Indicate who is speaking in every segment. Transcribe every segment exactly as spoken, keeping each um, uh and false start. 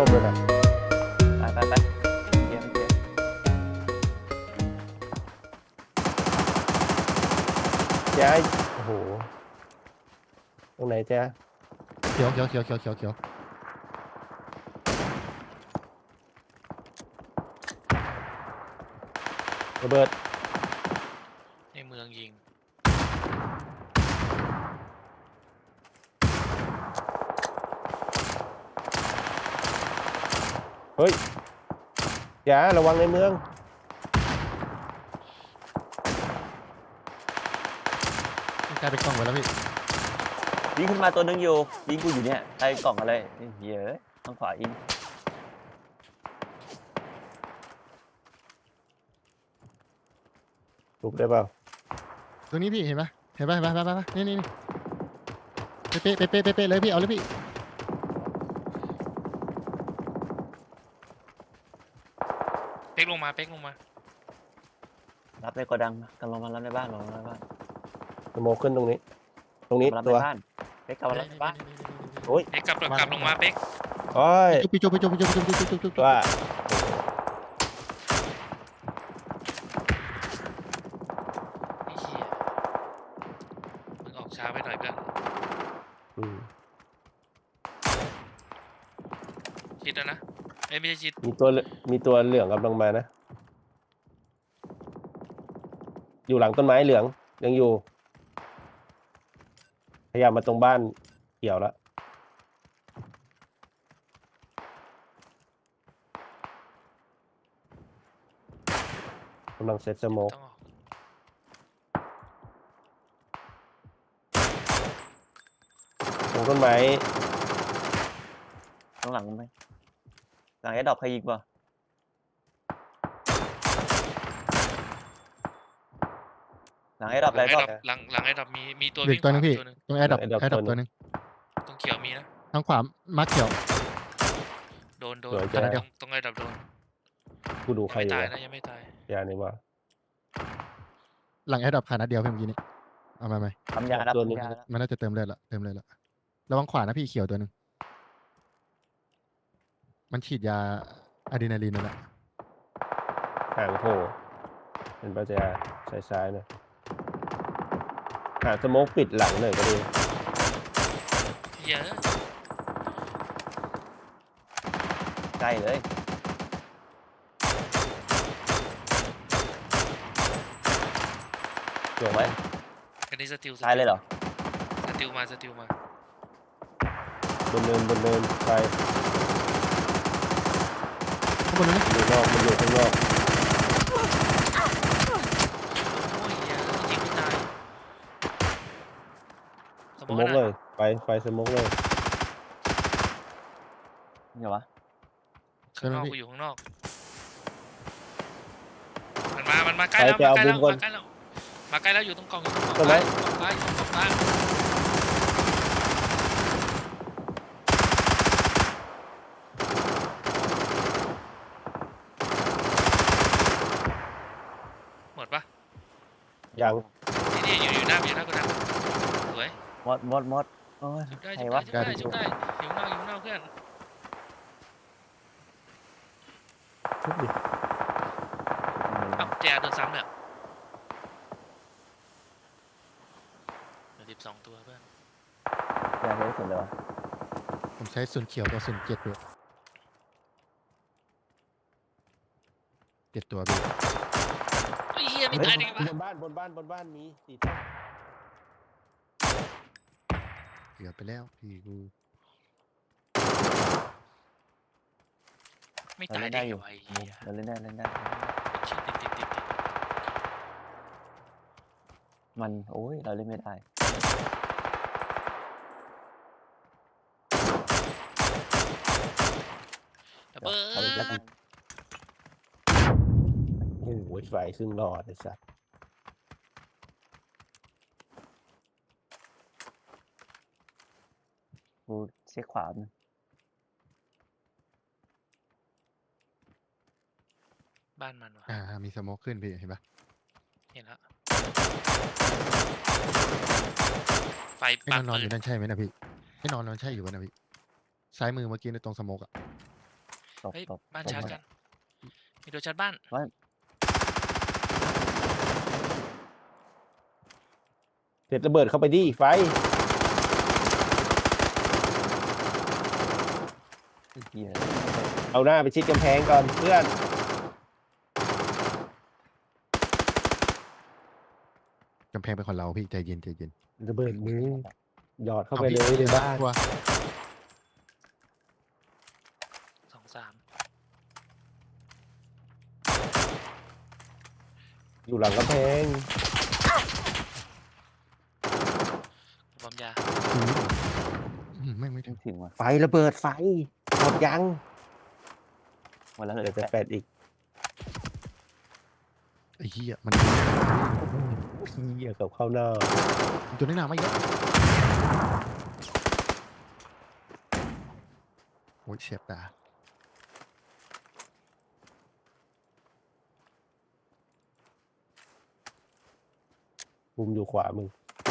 Speaker 1: ส้มเลยนะ
Speaker 2: ไปไปไปเกียร์เกียร์
Speaker 1: แจ๊โอ้โหตรงไหนแจ๊
Speaker 3: เขียวเขียวเขียวเขียวเขียวเขียว
Speaker 1: ระเบิด
Speaker 4: ในเมืองยิง
Speaker 1: เฮ้ยแจ๊ระวังในเมือง
Speaker 3: กลายเป็นกล้องไปแล้วพี่
Speaker 2: ยิงขึ้นมาตัวนึงอยู่ยิงกูอยู่เนี่ยใต้กล่องอะไรเหี้ยทางขวายิง
Speaker 1: ถูกได้เปล่า
Speaker 3: ตรงนี้พี่เห็นปะเห็นปะเห็นปะเห็นปะนี่นี่นี่เป๊ะเป๊ะเป๊ะเป๊ะเป๊ะเลยพี่เอาเลยพี่
Speaker 4: เป๊กลงมาเป๊กลงมา
Speaker 2: รับในโกดังกันลงมารับในบ้านลงมาในบ้าน
Speaker 1: สโมกขึ้นตรงนี้ตรงนี้
Speaker 2: รับใน
Speaker 1: ตัว
Speaker 2: บ้านเป๊กกลับมารับในบ้าน
Speaker 1: โอ้ย
Speaker 4: เป๊กกลับกลับลงมาเป๊ก
Speaker 1: โอ้ย
Speaker 3: จุ๊บจุ๊บจุ๊บจุ๊บจุ๊บจุ๊บจุ๊บจุ๊บจุ๊บ
Speaker 1: ว่า
Speaker 4: ไอ้เหี้ยมึงออกช้าไปหน่อยเพื่อน
Speaker 1: อืม
Speaker 4: ชิดแล้วนะเอ้ยไม่ใช่ชิด
Speaker 1: มีตัวมีตัวเหลืองกำลังมานะอยู่หลังต้นไม้เหลืองยังอยู่พยายามมาตรงบ้านเกี่ยวแล้วกำลังเซตสโมก
Speaker 4: ต้องออก
Speaker 1: ตรงต้นไม้
Speaker 2: ข้างหลังไหมหลังไอ้ดอกใครยิงป่ะหลังไอ้ดอก
Speaker 4: หลั
Speaker 2: ไอ้
Speaker 4: ง
Speaker 2: ด
Speaker 4: ไอ้
Speaker 2: อก
Speaker 4: ดับหลังหลังไอ้ดับมีมีตัว
Speaker 3: เด็ก
Speaker 4: วิ่ง
Speaker 3: ตัวนึงพี่
Speaker 4: ตัวนึง
Speaker 3: ตรงแอร์ดับแอร์ดับตัวนึง
Speaker 4: ตรงเขียวมีนะ
Speaker 3: ทางขวามาร์คเขียว
Speaker 4: โดนโดน
Speaker 1: สวย
Speaker 4: ตร
Speaker 1: จ้ะ
Speaker 4: งตรงไอ้ดับโดน
Speaker 1: กูดู
Speaker 4: ยัง
Speaker 1: ใคร
Speaker 4: ไม่
Speaker 1: อยู่
Speaker 4: ตาย
Speaker 1: วะ
Speaker 4: นะยังไม่ตาย
Speaker 1: ยานี่ว่า
Speaker 3: หลังแอร์ดับขานัดเดียวเพียงเมื่อกี้นี้เอามาไหม
Speaker 2: ทำยารับ
Speaker 1: ตัวนึง
Speaker 2: ทำยารับ
Speaker 3: มันน่าจะเติมเลือดละเติมเลือดละระวังขวานะพี่เขียวตัวนึงมันฉีดยาอะดรีนาลีนนั่นแหละ
Speaker 1: ห่างโผล่เป็นปัจจัยซ้ายซ้ายๆหน่อยหาสโมกปิดหลังหน่อยก็ดี
Speaker 4: เหี้ยอะ
Speaker 2: ใกล้เลยจบไหม
Speaker 4: อันนี้สติล
Speaker 2: ตายเลยเหรอ
Speaker 4: สติลมาสติลมา
Speaker 1: บนเนินบนเนินไป
Speaker 3: ข้างบนนู้นนะ
Speaker 1: อยู่นอกมันอยู่ข้างนอก
Speaker 4: โอ้ยเหี้ยยิงไม่ตายส
Speaker 1: ส
Speaker 4: ม
Speaker 1: โม
Speaker 4: อง
Speaker 1: ก
Speaker 4: นะ
Speaker 1: เลยไปไฟสโมกเลย
Speaker 2: เนี่ยวะ
Speaker 4: ข้างนอกกูอยู่ข้างนอกมันมามันมาใกล้แล้ว
Speaker 1: ไป
Speaker 4: มา
Speaker 1: ไป
Speaker 4: ใกล้
Speaker 1: เอา
Speaker 4: แล้ว
Speaker 1: บุญก่อน
Speaker 4: มาใกล้แล้วมาใกล้แล้วอยู่ตรงกล่องอยู่ตรงกล่อง
Speaker 1: ตรงไหน
Speaker 4: ซ้ายอยู่ตรงกล่องซ้ายอยู่ตรงกล่องซ้ายหมดปะ
Speaker 1: ยัง
Speaker 4: นี่นี่อยู่อยู่หน้าอยู่หน้ากูนะสวย
Speaker 2: มดมดมดโอ้ย
Speaker 4: จุดได้
Speaker 2: ใคร
Speaker 4: จุด
Speaker 2: วะ
Speaker 4: ได้จุดได้จุดได้อยู่ข้างนอกอยู่ข้างนอกเพื่อน
Speaker 1: ทุบดิ
Speaker 4: เอ้าแจโดนซ้ำเนี่ยเหลือสิบสองตัวเพื่อน
Speaker 2: ยาเยอะสุดเลยวะ
Speaker 3: ผมใช้ส่วนเขียวกับส่วนเจ็ดด้วยเจ็ดตัวพี่
Speaker 4: ไอ้เหี้ยไม่
Speaker 1: เฮ้ย
Speaker 4: ตายได้ไง
Speaker 1: บ
Speaker 4: วะ
Speaker 1: นบ้านบนบ้านบนบ้านมีสีส้ม
Speaker 3: เกือบไปแล้วพี่กู
Speaker 4: ไม่
Speaker 2: เรา
Speaker 4: ตาย
Speaker 2: เล่น
Speaker 4: ได้
Speaker 2: ได้อยู่
Speaker 4: ไงวะไอ้เหี้ย
Speaker 2: เราเล่นได้เล่นได้
Speaker 4: ชิดติดติดติดติด
Speaker 2: มันโอ้ยเราเล่นไม่ได้
Speaker 4: ระเบิ
Speaker 2: เอาอีกแล้วกั
Speaker 4: ด
Speaker 2: น
Speaker 1: โอ้โหไฟครึ่งหลอดไอ้สัส
Speaker 2: กูเช็คขวามัน
Speaker 4: บ้านมันวะ
Speaker 3: อ่ามีสโมกขึ้นพี่เห็นปะ
Speaker 4: เห็นแล้วไฟ
Speaker 3: ไอ้
Speaker 4: ปั
Speaker 3: น
Speaker 4: ก
Speaker 3: อนนอนอ
Speaker 4: ปืน
Speaker 3: ยู่นั่นใช่ไหมนะพี่ไอ้นอนนอนใช่อยู่ป่ะนะพี่ซ้ายมือเมื่อกี้ในตรงสโมกอะ
Speaker 2: ตบ
Speaker 4: เฮ้ย
Speaker 2: ตบ
Speaker 4: บ้าน
Speaker 2: ตบ
Speaker 4: ชาร์จกัน มีตัวชาร์จบ้าน
Speaker 1: เด็ดระเบิดเข้าไปดิไฟ
Speaker 2: ไอ้เหี้ย
Speaker 1: เอาหน้าไปชิดกำแพงก่อนเพื่อน
Speaker 3: กำแพงเป็นของเราพี่ใจเย็นใจเย็น
Speaker 1: ระเบิดมือหยอดเข้าไป
Speaker 3: อ
Speaker 1: เลย
Speaker 3: พี่
Speaker 1: ในบ้าน
Speaker 3: กลัว
Speaker 4: สองสาม
Speaker 1: อยู่หลังกำแพง
Speaker 4: บอมยา
Speaker 3: อืมแม่งไม่ถึ
Speaker 2: ไม่
Speaker 3: ง
Speaker 2: ถึงว่ะ
Speaker 1: ไฟระเบิดไฟหมดยัง
Speaker 2: หมดแล้วเหล
Speaker 1: เดี๋ย
Speaker 2: ยว
Speaker 1: จะ
Speaker 2: แป
Speaker 1: แฟ
Speaker 2: ด
Speaker 1: ดอีก
Speaker 3: ไอ้เหี้ยมัน
Speaker 1: เหี้ยกับเข้าหน้า
Speaker 3: ตัวนี้หนาไม่เยอะโอ้ยเสียบตา
Speaker 1: มุมอยู่ขวามึง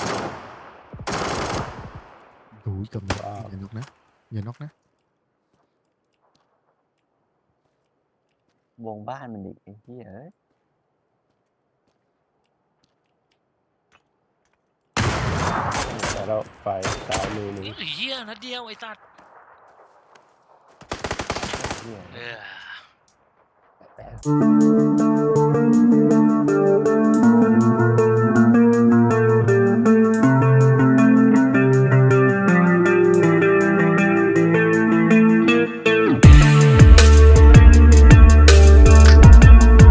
Speaker 3: โอ้ยกับนก
Speaker 1: ว้าว
Speaker 3: อย่านกนะอย่านกนะ
Speaker 2: วงบ้านมันอีกไอ้เหี้ยเอ้ย
Speaker 1: แต่เราไฟซ้ายมือมึง
Speaker 4: นี่เหี้ยนัดเดียวไอ้ตัด
Speaker 2: เหี้ย
Speaker 4: เออ